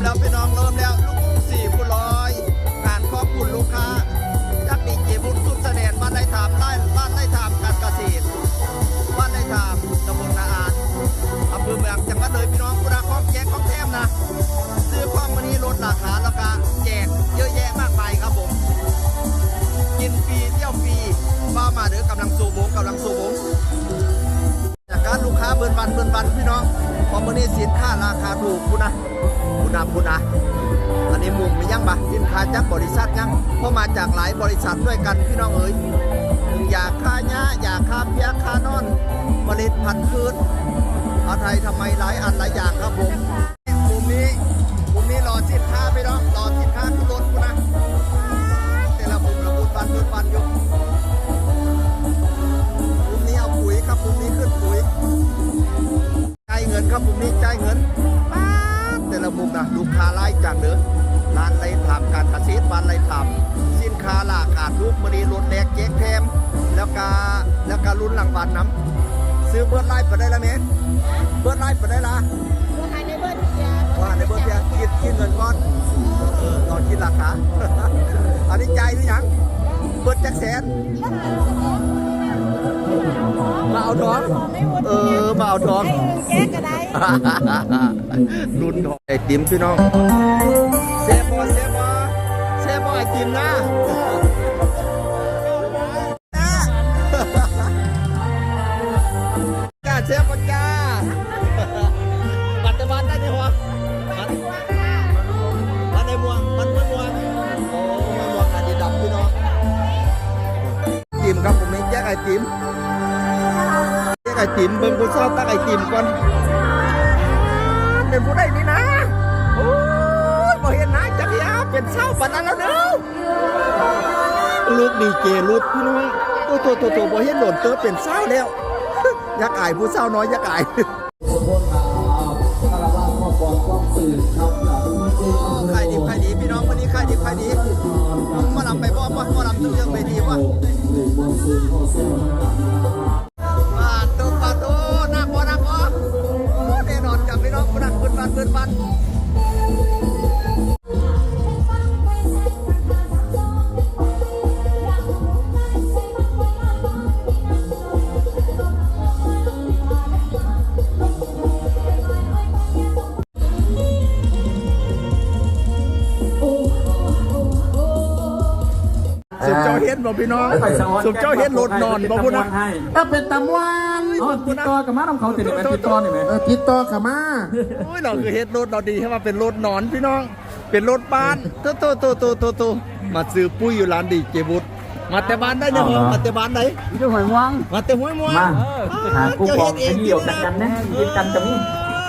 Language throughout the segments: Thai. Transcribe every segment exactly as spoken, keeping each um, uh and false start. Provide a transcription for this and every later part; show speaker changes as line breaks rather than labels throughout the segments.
แล้วพี่น้องเริ่มแล้วลูกกุ้งสี่ผู้ร้อยงานขอบคุณลูกค้าจักดีเจบุญสุดแสดงบ้านไร่ถามไร่บ้านไร่ถามการเกษตรบ้านไร่ถามตำบลนาอานอำเภอเมืองจังหวัดเลยพี่น้องคุณอาของแจกของแถมนะซื้อของวันนี้ลดราคาแล้วก็แจกเยอะแยะมากมายครับผมกินฟรีเที่ยวฟรีมามาเด้อกำลังสูบงกำลังสูบงจากการลูกค้าเบิร์นบันเบิร์นบันพี่น้องพอวันนี้สินค้าราคาถูกคุณนะคุณนะคุณนะอันนี้มุมมียังปะสินค้าจากบริษัทยังเพราะมาจากหลายบริษัทด้วยกันพี่น้องเอ๋ยอยากค่าหญ้าอยากค่าเพียค่านอนผลิตพันธุ์พืชเอาไทยทำไมหลายอันหลายอย่างครับผมมุมนี้มุมนี้รอสินค้าพี่น้องรอสินค้าขึ้นรถคุณนะแต่ละมุมละมุมบันเบิร์นบันอยู่มุมนี้เอาปุ๋ยครับมุมนี้ขึ้นปุ๋ยจ่ายเงินครับมุมนี้จ่ายเงินแต่ละมุมนะลูกค้าไล่จากเด้อร้านไรทำการเกษตรบ้านไรทำสินค้าหลากอาดรูปมณีรถแดกเจ๊กแถมแล้วก็แล้วก็รุ่นหลังบ้านน้ำซื้อเบิร์ดไล่ไปได้ละเมเบิร์ดไล่ไปได้ละว่าในเบิร์ดเพียว่าในเบิร์ดเพียคิดคิดเงินก้อนเออตอนคิดราคาอันนี้ใจหรือยังเบิร์ดแจ็คแสนมาเอาทองเออมาเอาทองแจ๊กก็ได้รุ่นทองไอติมพี่น้องเซฟบอเซฟบอเซฟบอไอติมนะจ้าเซฟบอจ้าปัตตบันได้ไหมวะมันในม่วงมันไม่ม่วงโอ้ไม่ม่วงอันนี้ดำพี่น้องติมครับผมเองแจ๊กไอติมไอติมเบิ่งกูชอบตั้งไอติมก่อนเป็นผู้ใดนี่นะโอ้ยบ่เห็นนะจักรยาเป็นเศร้าปันนั้นแล้วเนาะลูกดีเจลูกพี่น้องโอ้โตโตโตบ่เห็นโดนเตอเป็นเศร้าแล้วอยากอายผู้เศร้าน้อยอยากอายใครดีใครดีพี่น้องวันนี้ใครดีใครดีมาลำไปบ่มามาลำตึ้งเรื่องไปดีวะมาตัวมาตัวนักบ่นักบ่แน่นอนกับพี่น้องคนนักเปิดบันเปิดบันสุดเจ้าเห็นบ่พี่น้องสุดเจ้าเห็นรถนอนบ่พูดนะ
เออเป็นตำวันอ๋อติดต่อกับมาทำเขาติดไหมติดต่อนี่ไหมเออติดต่อกับมา
โอ้ยเราคือเห็นรถเราดีให้มาเป็นรถนอนพี่น้องเป็นรถบ้านโตโตโตโตโตโตมาซื้อปุ้ยอยู่ร้านดีเจบุตรมาแต่บ้านได้เนี่ยมาแต่บ้านไหน
อยู่หอยม่วง
มาแต่ห้วยม่วง
มาหากุ้งบอกไอ้เดี่ยวกันกันนะยินกันจะมี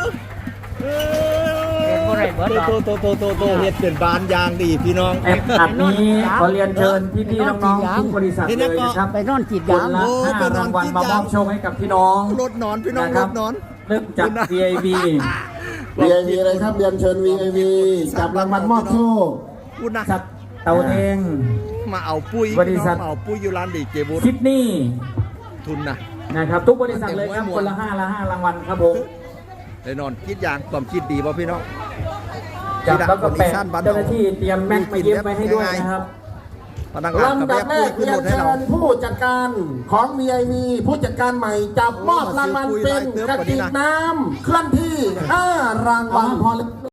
โตโตโตโตโตเฮ็ดเป็นบ้านยางดีพี่น้อง
แอปอัดนี้ขอเรียนเชิญพี่ๆน้องๆทุกบริษัทเลยนะครับ
ไปนอนจีบยาม
โอ้เป็นรางวัลมามอบโชคให้กับพี่น้อง
รถนอนพี่น้องรถนอน
เริ่มจาก วี ไอ พี
วี ไอ พี เลยครับเรียนเชิญ วี ไอ พี จับรางวัลมอบโชค
คุณนะ
จัดเตาเอง
มาเอาปุ้ย
บริษัท
เอาปุ้ยอยู่ร้านดีเจบุตร
ซิดนีย์
ทุนนะ
นะครับทุกบริษัทเลยครับคนละห้าละห้ารางวัลครับผม
แน่นอนคิดอย่างความคิดดีป่ะพี่น้อง
จับแล้วก็แปะเจ้าหน้าที่เตรียมแม็กมาเย็บไปให้ด้วยนะครับ
ลำดับแรกเรียนเชิญผู้จัดการของ วี ไอ พี ผู้จัดการใหม่จับมอบรางวัลเป็นกระติกน้ำเคลื่อนที่ห้ารางวัลพอ